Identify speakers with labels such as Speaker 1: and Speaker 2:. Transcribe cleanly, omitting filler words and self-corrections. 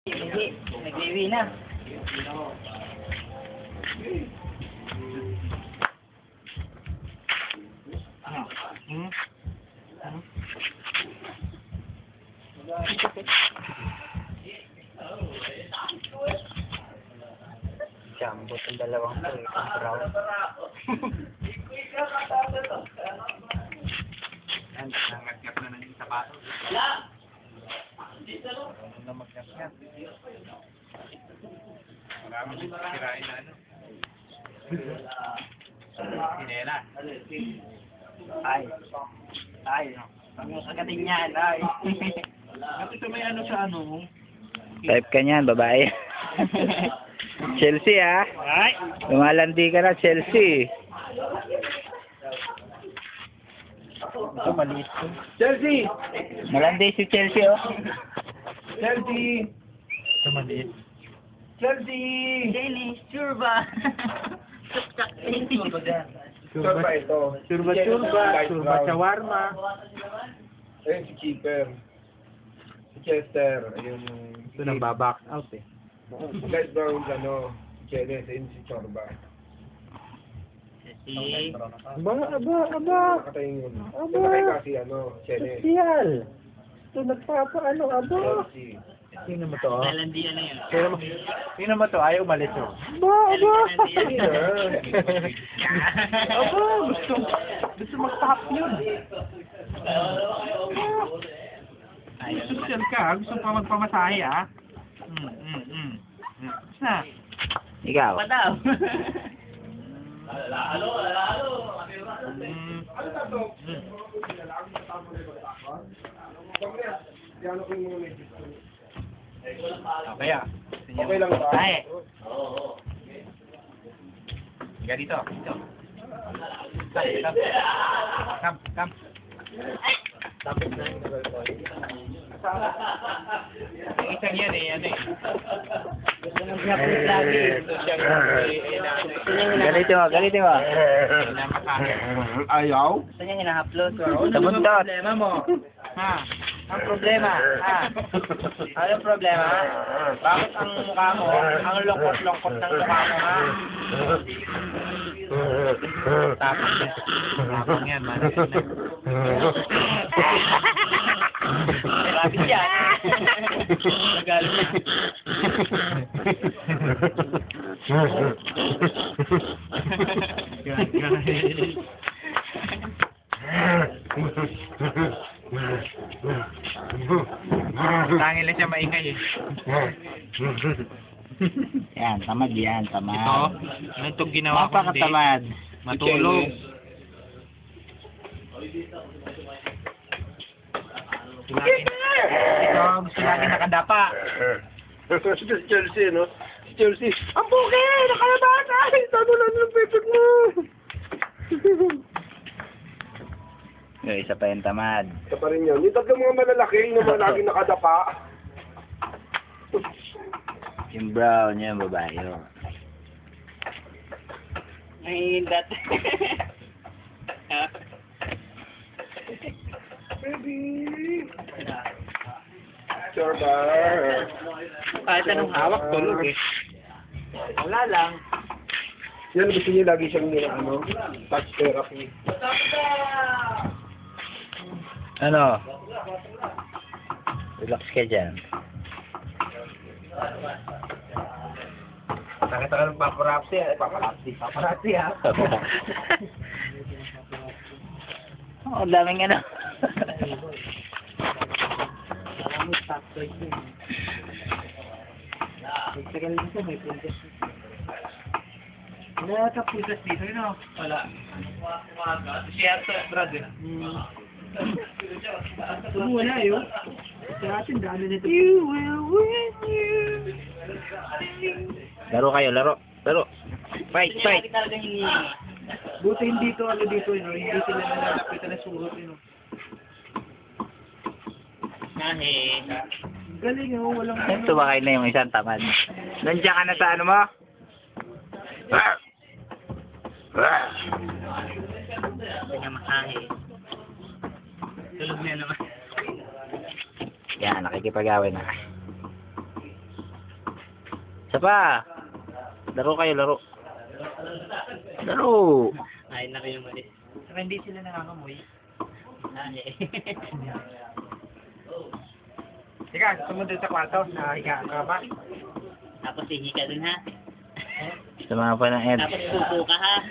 Speaker 1: Hindi, nag-iwi na. Jumbo ang dalawang to eh, ang brown.
Speaker 2: Yan, nangat-ngat na ng sapatos. Ano na mag-ngat-ngat? Marami din sirain na ano. Sinela.
Speaker 1: Ay, pag kagating yan, ay.
Speaker 2: Ito may ano sa ano?
Speaker 3: Type ka niyan, babae. Chelsea ah.
Speaker 1: Ay!
Speaker 3: Lumalandi ka na, Chelsea.
Speaker 2: Ito maliit ko.
Speaker 1: Chelsea!
Speaker 3: Malandi si Chelsea oh.
Speaker 1: Chelsea!
Speaker 2: Ito maliit.
Speaker 1: Chelsea! Dennis, sure ba? Tuktak Dennis.
Speaker 2: Surba
Speaker 4: ito.
Speaker 2: Surba shawarma.
Speaker 4: Ayun si Keeper. Si Chester. Ayun yung...
Speaker 2: Ito nang baback out eh.
Speaker 4: Light brown ano. Si Cheles. Ayun si Chorba.
Speaker 1: Si...
Speaker 3: Aba.
Speaker 4: Nakatayin yun.
Speaker 3: Aba.
Speaker 4: Nakatayin kasi ano. Cheles.
Speaker 3: Siyal. Ito nagpapaano, aba.
Speaker 4: Chelsea.
Speaker 2: Sino mo to?
Speaker 1: Nalandi ano yun?
Speaker 2: Sino mo to? Ayaw umalis oh.
Speaker 3: Aba.
Speaker 2: Aba, gusto mag-top yun. Social ka, gusto pa magpamasahe ah. Basta.
Speaker 3: Ikaw.
Speaker 1: Pa daw.
Speaker 4: Diyan ako yung mga
Speaker 2: Kaya.
Speaker 4: Okay lang ba?
Speaker 1: Ay.
Speaker 2: Higa dito. Dito. Come.
Speaker 4: Tapos na yung
Speaker 2: Yung isang yan eh, ano eh.
Speaker 1: Nag-upload lagi.
Speaker 3: Galito mo.
Speaker 4: Ayaw?
Speaker 1: Gusto niya hina-upload.
Speaker 3: Sabuntot.
Speaker 1: Problema mo? Ha? Ang problema? Ha? Anong problema? Bakit ang mukha mo, ang lungkot-lungkot ng mukha mo, ha?
Speaker 2: Tapang yan, man.
Speaker 1: Rapid yan. Nagalit na.
Speaker 2: Tangin lang siya maingay eh.
Speaker 3: Yan, tamad yan, tamad.
Speaker 2: Ito, ano itong ginawa ko hindi?
Speaker 3: Napakatamad.
Speaker 2: Matulog. Ito, gusto lagi nakadapa.
Speaker 4: Si Chelsea, no? Si Chelsea. Ang buki! Nakalabas! Ay! Tago lang ng pepek mo!
Speaker 3: Yung isa pa yung tamad.
Speaker 4: Ito pa rin yun. Yung tatlo mga malalaki, yung mga lagi nakadapa.
Speaker 3: Yung brown, yung babae. Oh.
Speaker 1: Nahihindat.
Speaker 4: Baby! Chorba!
Speaker 1: Kahit anong hawak, tulog eh. Wala lang.
Speaker 4: Yan, gusto niya lagi siyang ano, touch therapy.
Speaker 3: Ano? Relax ka dyan.
Speaker 4: Nakita ka ng paparazzi, paparazzi ha?
Speaker 3: Oh, ang daming ano.
Speaker 2: Nakakaputas dito, yun o. Wala. Si Arthur, Brad eh.
Speaker 1: Wala yun. Sa atin, dami nito.
Speaker 3: Laro kayo, laro. Fight.
Speaker 1: Talaga hindi.
Speaker 2: Buti hindi to, ano dito, yun, hindi sila nalalapitan na surot, yun.
Speaker 1: Nahe.
Speaker 2: Galing yun, walang
Speaker 3: Sumakay na yung isang tamad. Nandiyan ka na sa ano mo?
Speaker 1: Hindi niya masahe. Tulog na naman.
Speaker 3: Yan, nakikipag-away na. Isa pa. Laro kayo, laro. Laro.
Speaker 2: Ayun na kayo umalis.
Speaker 1: Saka hindi sila nangangamoy. Ika, sumunod sa kwarto. Higa ka ba?
Speaker 2: Tapos hihi ka dun ha.
Speaker 3: Sama pa ng Ed.
Speaker 2: Tapos pupo ka ha.